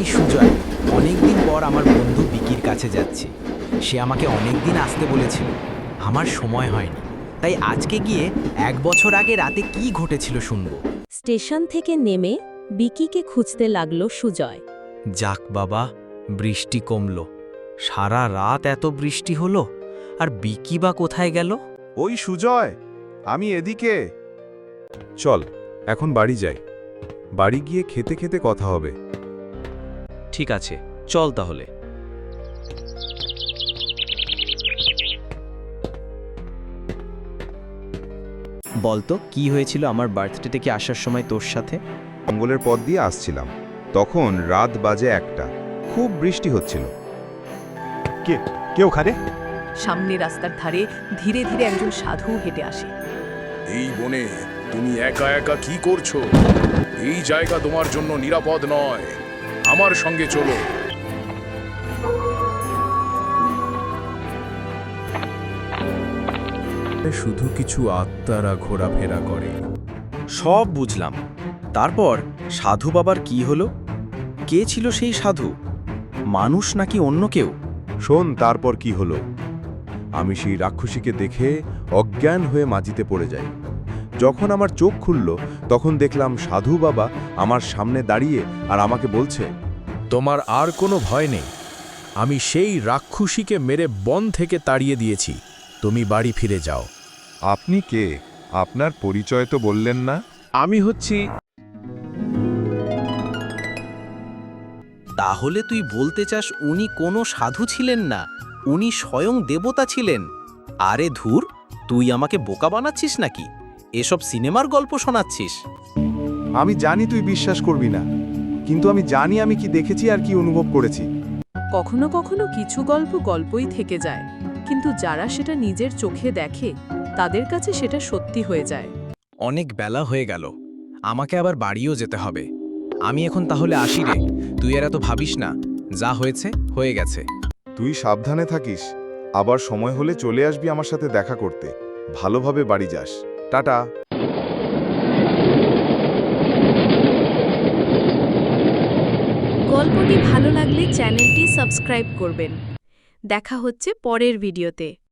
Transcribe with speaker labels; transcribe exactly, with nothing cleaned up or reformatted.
Speaker 1: আমি সুজয়। অনেকদিন পর আমার বন্ধু বিকির কাছে যাচ্ছি। সে আমাকে অনেকদিন আসতে বলেছিল, আমার সময় হয়নি। তাই আজকে গিয়ে এক বছর আগে রাতে কি ঘটেছিল শুনবো।
Speaker 2: স্টেশন থেকে নেমে বিকিকে খুঁজতে লাগলো সুজয়।
Speaker 1: যাক বাবা, বৃষ্টি কমলো। সারা রাত এত বৃষ্টি হলো, আর বিকি বা কোথায় গেল?
Speaker 3: ওই সুজয়, আমি এদিকে। চল এখন বাড়ি যাই। বাড়ি গিয়ে খেতে খেতে কথা হবে।
Speaker 1: ঠিক আছে, চল তাহলে। বলতো কি হয়েছিল আমার বার্থডে থেকে আসার সময় তোর সাথে?
Speaker 3: জঙ্গলের পথ দিয়ে আসছিলাম, তখন রাত বাজে একটা। খুব বৃষ্টি হচ্ছিল।
Speaker 4: কে কে ওখানে?
Speaker 5: সামনে রাস্তার ধারে ধীরে ধীরে একজন সাধু হেঁটে আসে।
Speaker 6: এই বনে তুমি একা একা কি করছো? এই জায়গা তোমার জন্য নিরাপদ নয়। আমার সঙ্গে চলো।
Speaker 3: শুধু কিছু আত্মারা ঘোরাফেরা করে।
Speaker 1: সব বুঝলাম। তারপর সাধু বাবার কি হলো? কে ছিল সেই সাধু? মানুষ নাকি অন্য কেউ?
Speaker 3: শোন তারপর কি হলো। আমি সেই রাক্ষসীকে দেখে অজ্ঞান হয়ে মাটিতে পড়ে যাই। যখন আমার চোখ খুলল, তখন দেখলাম সাধু বাবা আমার সামনে দাঁড়িয়ে আর আমাকে বলছে,
Speaker 7: তোমার আর কোনো ভয় নেই। আমি সেই রাক্ষসীকে মেরে বন থেকে তাড়িয়ে দিয়েছি। তুমি বাড়ি ফিরে যাও।
Speaker 3: আপনি কে? আপনার পরিচয় তো বললেন না।
Speaker 7: আমি হচ্ছি
Speaker 1: তাহলে তুই বলতে চাস উনি কোনো সাধু ছিলেন না, উনি স্বয়ং দেবতা ছিলেন? আরে ধুর, তুই আমাকে বোকা বানাচ্ছিস নাকি? এসব সিনেমার গল্প শোনাচ্ছিস?
Speaker 3: আমি জানি তুই বিশ্বাস করবি না, কিন্তু আমি জানি আমি কি দেখেছি আর কি অনুভব করেছি।
Speaker 5: কখনো কখনো কিছু গল্প গল্পই থেকে যায়, কিন্তু যারা সেটা নিজের চোখে দেখে তাদের কাছে সেটা সত্যি হয়ে যায়।
Speaker 1: অনেক বেলা হয়ে গেল, আমাকে আবার বাড়িও যেতে হবে। আমি এখন তাহলে আসি রে। তুই আর এত ভাবিস না, যা হয়েছে হয়ে গেছে।
Speaker 3: তুই সাবধানে থাকিস। আবার সময় হলে চলে আসবি আমার সাথে দেখা করতে। ভালোভাবে বাড়ি যাস। টাটা।
Speaker 2: গল্পটি ভালো লাগলে চ্যানেলটি সাবস্ক্রাইব করবেন। দেখা হচ্ছে পরের ভিডিওতে।